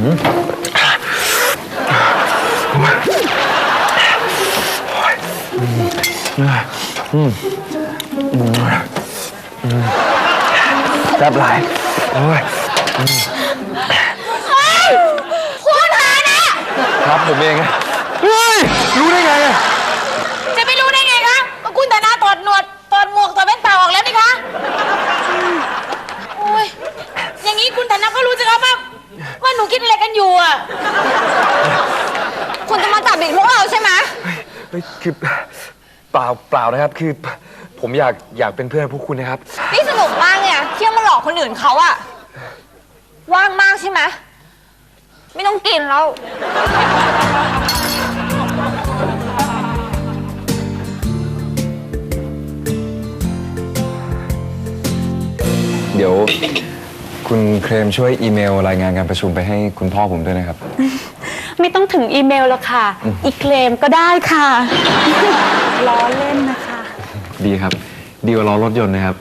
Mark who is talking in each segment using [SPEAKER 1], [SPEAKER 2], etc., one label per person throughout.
[SPEAKER 1] แซ่บหลายโอ้ย
[SPEAKER 2] คุณหานะครับ
[SPEAKER 1] ผมเองเฮ้ยรู้ได้ไงอะ
[SPEAKER 2] จะไม่รู้ได้ไงคะก็คุณธนาถอดหนวดถอดหมวกถอดแว่นตาออกแล้วนี่คะโอ้ยอย่างนี้คุณธนาก็รู้สิครับว่าหนูคิดอะไรกันอยู่อ่ะคุณจะมาจับเด็กพวกเราใช่ไหม
[SPEAKER 1] คือเปล่านะครับคือผมอยากเป็นเพื่อนพวกคุณนะครับ
[SPEAKER 2] นี่สนุกมากเนี่ยเที่ยวมาหลอกคนอื่นเขาอะว่างมากใช่ไหมไม่ต้องกินแล้ว
[SPEAKER 1] เดี๋ยวคุณเคลมช่วยอีเมลรายงานการประชุมไปให้คุณพ่อผมด้วยนะครับ
[SPEAKER 3] ไม่ต้องถึงอีเมลแล้วค่ะอีเคลมก็ได้ค่ะล้อเล่นนะคะ
[SPEAKER 1] ดีครับดีกว่ารอรถยนต์นะครับ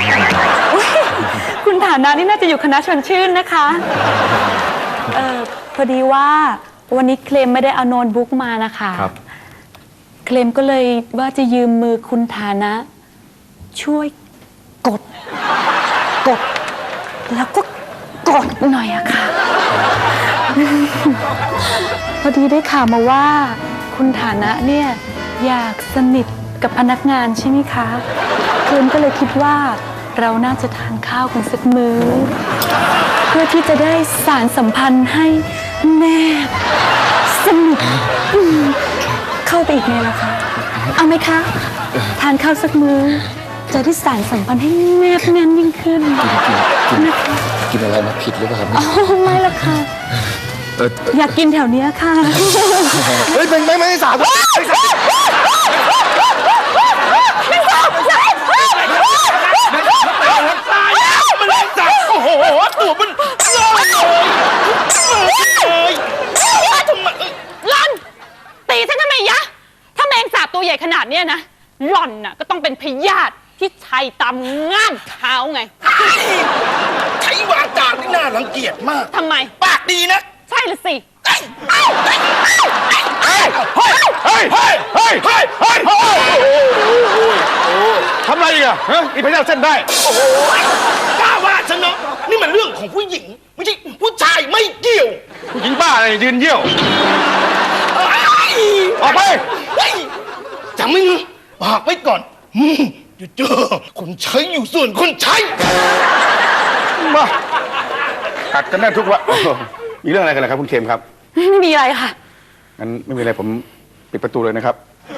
[SPEAKER 3] คุณฐานะนี่น่าจะอยู่คณะชวนชื่นนะคะพอดีว่าวันนี้เคลมไม่ได้เอาโน้ตบุ๊กมานะคะ
[SPEAKER 1] ครับ
[SPEAKER 3] เคลมก็เลยว่าจะยืมมือคุณฐานะช่วยกดแล้วก็กดหน่อยอะค่ะพอดีได้ข่าวมาว่าคุณฐานะเนี่ยอยากสนิทกับพนักงานใช่ไหมคะเคลมก็เลยคิดว่าเราน่าจะทานข้าวกันสักมื้อเพื่อที่จะได้สานสัมพันธ์ให้แนบสนิทเข้าไปอีกไงล่ะคะเอาไหมคะทานข้าวสักมื้อจะได้สานสัมพันธ์ให้แนบแน่นยิ่งขึ้นนะคะ
[SPEAKER 1] กินอะไรมาผิดหรือเปล่าครับ
[SPEAKER 3] ไม่ละค่ะอยากกินแถวนี้ค่ะ
[SPEAKER 1] เฮ้ยไม่สาบ
[SPEAKER 4] โอ้โหตัวมันลอย
[SPEAKER 3] หล่อนตีฉันทำไมยะถ้าแมงสาบตัวใหญ่ขนาดเนี้ยนะหล่อนน่ะก็ต้องเป็นพยาธิที่ชัยตามง่ามเท้าไง
[SPEAKER 4] ใช้วาจาที่น่ารังเกียจมาก
[SPEAKER 3] ทำไม
[SPEAKER 4] ปากดีนะ
[SPEAKER 3] ใช่ละสิ
[SPEAKER 4] ทำไรอีกอะอีพยาธิเส้นได้โอ้โหกล้าว่าฉันเนาะนี่มันเรื่องของผู้หญิงไม่ใช่ผู้ชายไม่เกี่ยวผู้หญิงบ้าอะไรยืนเยี่ยวออกไปจำไม่เงปากไว้ก่อนจะเจอคนใช้อยู่ส่วนคนใช้มากัดกันได้ทุกวันมีเรื่องอะไรกันล่ะครับคุณเคมครับ
[SPEAKER 3] ไม่มีอะไรค่ะ
[SPEAKER 4] งั้นไม่มีอะไรผมปิดประตูเลยนะครับ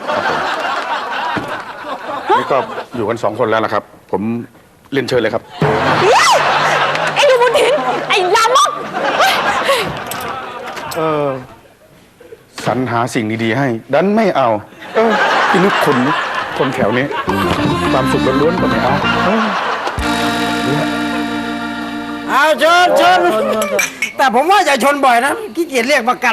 [SPEAKER 4] นี่ก็อยู่กัน2 คนแล้วนะครับผมเรียนเชิญเลยครับ
[SPEAKER 3] ไอ้ดูบุญถินไอ้ลามก
[SPEAKER 4] สรรหาสิ่งดีๆให้ดันไม่เอาพี่นึกคนแถวนี้ความสุขล้วนๆก็ไม่เอา
[SPEAKER 5] ชนแต่ผมว่าอย่าชนบ่อยนะขี้เกียจเรียกประกัน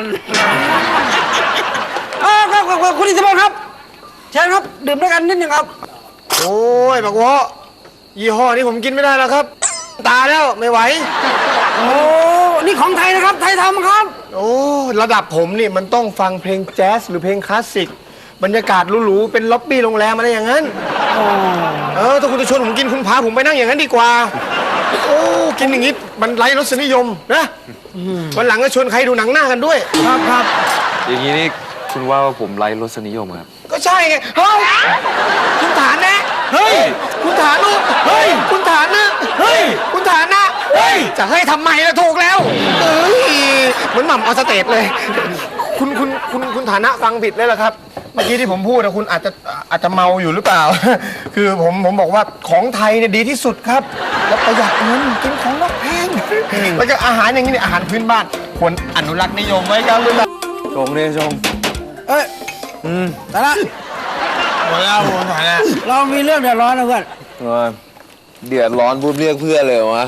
[SPEAKER 5] ครับคุณอิทธิพลครับเชิญครับดื่มด้วยกันนิดนึงครับ
[SPEAKER 6] โอ้ยบักวะยี่ห้อนี้ผมกินไม่ได้แล้วครับตาแล้วไม่ไหว
[SPEAKER 5] โอ้นี่ของไทยนะครับไทยทำครับ
[SPEAKER 6] โอ้ระดับผมนี่มันต้องฟังเพลงแจ๊สหรือเพลงคลาสสิกบรรยากาศหรูๆเป็นล็อบบี้โรงแรมอะไรอย่างนั้นถ้าคุณจะชวนผมกินคุณพาผมไปนั่งอย่างนั้นดีกว่าโอ้กินอย่างนี้มันไร้รสนิยมนะวันหลังก็ชวนใครดูหนังหน้ากันด้วย
[SPEAKER 5] ครับ
[SPEAKER 1] อย่างนี้นี่คุณว่าผมไร้รสนิยมครับ
[SPEAKER 6] ก็ใช่ไงเฮ้ยคุณฐานนะเฮ้ยคุณฐานุเฮ้ยคุณฐานนะเฮ้ยคุณฐานนะเฮ้ยจะให้ทำไมล่ะถูกแล้วเหมือนหม่ำออสเตดเลยคุณฐานะฟังผิดเลยล่ะครับเมื่อกี้ที่ผมพูดนะคุณอาจจะเมาอยู่หรือเปล่าคือผมบอกว่าของไทยเนี่ยดีที่สุดครับแล้วประหยัดเงินกินของนอกแพงแล้วก็อาหารอย่างนี้เนี่ยอาหารพื้นบ้านควรอนุรักษ์นิยมไว้ครับคุณ
[SPEAKER 1] ชงเนี่ยชง
[SPEAKER 5] แต่ละ
[SPEAKER 6] หมดแล้วคุณฐานะ
[SPEAKER 5] เรามีเรื่องเดือดร้อนนะเพื่อน
[SPEAKER 1] เดือดร้อนปุ๊บเรียกเพื่อนเลยวะ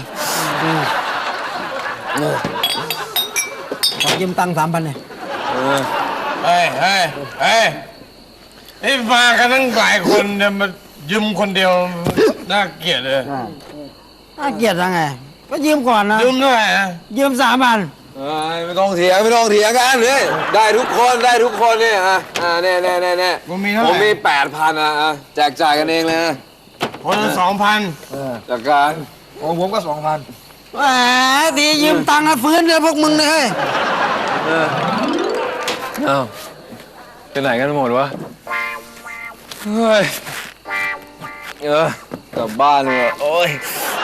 [SPEAKER 5] ขอยืมตังค์3,000เลย
[SPEAKER 4] เฮ้ยนี่มากันตั้งหลายคนจะมายืมคนเดียวน่าเกลียดเลย
[SPEAKER 5] น่าเกลียดยังไงก็ยืมก่อนนะ
[SPEAKER 4] ยืมเท่าไหร่นะ
[SPEAKER 5] ยืม3,000
[SPEAKER 1] ไม่ต้องเถียงกันเลยได้ทุกคนเนี่ยเนี่ย
[SPEAKER 4] ผมมีเท่าไหร่
[SPEAKER 1] ผมมี 8,000แจกจ่ายกันเองเลยนะ
[SPEAKER 4] คนละ2,000
[SPEAKER 1] จากการ
[SPEAKER 5] ของผมก็2,000แหมดียืมตังค์นะฟื้นเลยพวกมึงเนี่ย
[SPEAKER 1] อ้าวไปไหนกันหมดวะเฮ้ยกลับบ้านเลยโอ้ย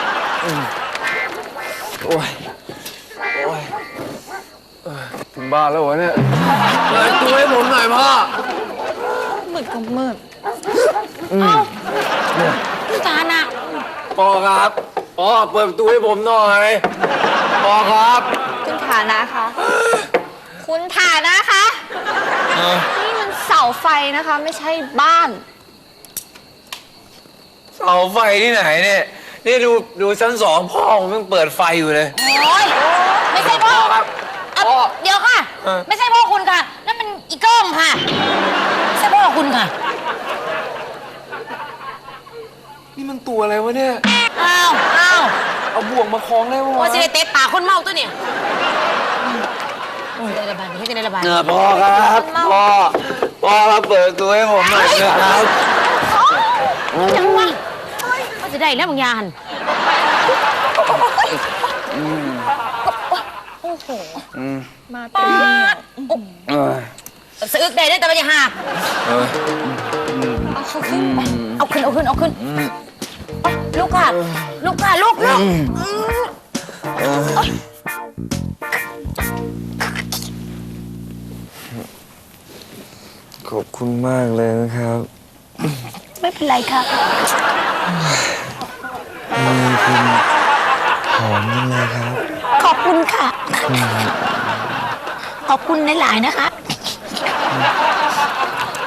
[SPEAKER 1] ถึงบ้านแล้ววะเนี่ยเปิดตัวให้ผมหน่อยพ่อ
[SPEAKER 2] มืดก็มืดเอ้าคุณฐานะ
[SPEAKER 1] พ่อครับพ่อเปิดประตูให้ผมหน่อยพ่อครับ
[SPEAKER 2] คุณฐานะคะคุณฐานะคะนี่มันเสาไฟนะคะ ไม่ใช่บ้าน
[SPEAKER 1] เสาไฟที่ไหนเนี่ยนี่ดูชั้น 2พ่อผมยังเปิดไฟอยู่เลย
[SPEAKER 2] โอ้ยไม่ใช่พ่อ
[SPEAKER 1] ครับ
[SPEAKER 2] อ่ะเดี๋ยวค่ะ ไม่ใช่พ่อคุณค่ะนั่นมันอีเกิ้มค่ะไม่ใช่พ่อคุณค่ะ
[SPEAKER 1] นี่มันตัวอะไรวะเนี่ย
[SPEAKER 2] อ้าว
[SPEAKER 1] เอาบ่วงมาคล้องได้ปะ
[SPEAKER 2] โอ้
[SPEAKER 1] วะ
[SPEAKER 2] สิได้เตะปากคนเมาตัวเนี่ยจะได้ระบายให้จะได้ระบาย
[SPEAKER 1] พ่อครับพ่อครับเปิดประตูให้ผมหน่อยนะครับ
[SPEAKER 2] จังวะก็จะได้แล้วบางยานโอ้โหมาเต็มสะอึกได้แต่ไม่จะหักเอาขึ้นไปเอาขึ้นลูกค่ะลูก
[SPEAKER 1] ขอบคุณมากเลยนะครับ
[SPEAKER 3] ไม่เป็นไรค่ะ
[SPEAKER 1] หอมจังเลยครับ
[SPEAKER 3] ขอบคุณค่ะ ขอบคุณหลายๆนะคะ
[SPEAKER 1] ข